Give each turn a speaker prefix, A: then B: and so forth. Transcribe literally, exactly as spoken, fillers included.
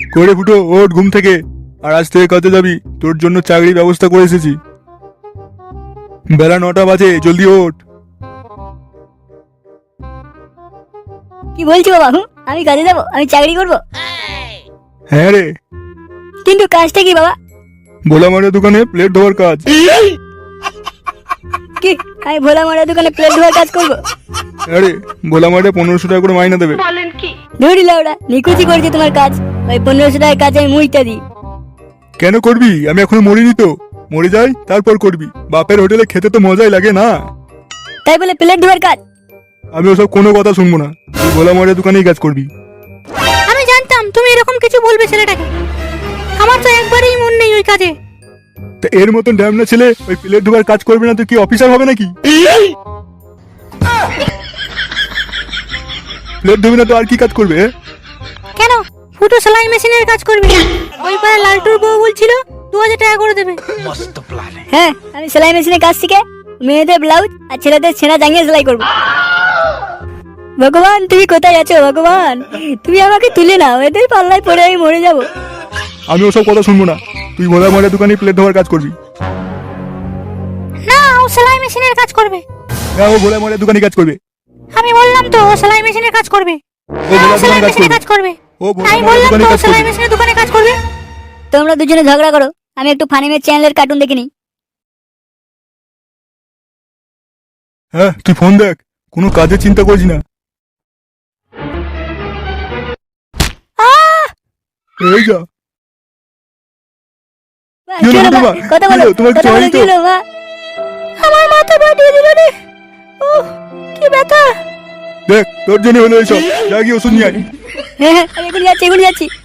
A: করে ফুটো ওঠ ঘুম থেকে। আর আজ থেকে কাজে যাবি, তোর জন্য চাকরির ব্যবস্থা করে এসেছি। বেলা নটা বাজে, জলদি ওঠ।
B: কি বলছো বাবা? হুঁ, আমি কাজে যাবো? আমি চাকরি করব?
A: হ্যাঁ রে।
B: কিন্তু কাজটা কি বাবা?
A: ভোলা মারের দোকানে প্লেট ধোয়ার কাজ।
B: কি আমি ভোলা মারা দোকানে প্লেট ধোয়ার কাজ করবো?
A: হ্যাঁ রে, ভোলা মারে পনেরোশো টাকা করে মাইনা দেবে।
B: ধরি লাউডা, নিকুচি করছে তোমার কাজ। ওই পনেরোশো টাকার কাজ আমি মুইটা দিই।
A: কেন করবি? আমি এখনো মরিনি তো। মরে যাই তারপর করবি। বাপের হোটেলে খেতে তো মজাই লাগে না।
B: তাই বলে প্লেট ধোয়ার কাজ?
A: আমি ওসব কোনো কথা শুনবো না। তুই ভোলা মারের দোকানেই কাজ করবি।
C: আমি জানতাম তুমি এরকম কিছু বলবে ছেলেটাকে। আমার তো একবারেই মন নেই ওই কাজে।
A: তা এর মতন ড্যামনা ছেলে ওই প্লেট ধোয়ার কাজ করবে না তো কি অফিসার হবে নাকি? প্লেট ধোবে না তো আর কি কাজ করবে?
C: কেন ফুটো সেলাই মেশিনের কাজ করবে? ওই পাড়া লালটুর বউ বলছিল দু হাজার টাকা করে দেবে।
B: হ্যাঁ, আমি সেলাই মেশিনের কাজ শিখে মেয়েদের ব্লাউজ আর ছেলেদের ছেঁড়া জাঙ্গিয়ে সেলাই করবো। ভগবান তুমি কোথায় আছো ভগবান? তুমি আমাকে তুলে নাও, এদের পাল্লায় পড়ে আমি মরে যাবো।
A: আমি ওসব কথা শুনবো না। তুই ভোলা মারের দোকানে প্লেট ধোয়ার কাজ করবি।
C: না, ও সেলাই মেশিনের কাজ করবে।
A: হ্যাঁ, ও ভোলা মারের দোকানে কাজ করবে।
C: আমি বললাম তো ও সেলাই মেশিনের কাজ করবে।
A: ও
C: হ্যাঁ,
A: ভোলা
C: সেলাই
A: দোকানে কাজ
C: মেশিনের
A: করবে।
C: কাজ করবে।
A: ও ভোলা
C: আমি
A: মারের
C: বললাম
A: দোকানে
C: তো ও
A: কাজ
C: সেলাই
A: করবে।
C: মেশিনের দোকানে কাজ করবে।
B: তোমরা দুজনে ঝগড়া করো, আমি একটু ফানিমের চ্যানেলের কার্টুন দেখে নিই।
A: হ্যাঁ, তুই ফোন দেখ, কোনো কাজের চিন্তা করিস না।
C: আহ!
A: এই যা।
B: মা,
A: কি হলো
B: কি হলো,
A: তোমার?
B: মা? কথা
A: কি
B: বলো,
A: হলো? তোমার
B: কথা
A: কিছু
B: বলো,
A: হয়নি
B: কি
A: তো?
B: হলো, মা?
C: আমার মাথা ফাটিয়ে দিল রে। ওহ, কি ব্যথা।
A: দেখ তোর জন্য হলো এইসব। যা গিয়ে ওষুধ নিয়ে আয়।
B: হ্যাঁ হ্যাঁ, আমি এখন যাচ্ছি, এখন যাচ্ছি।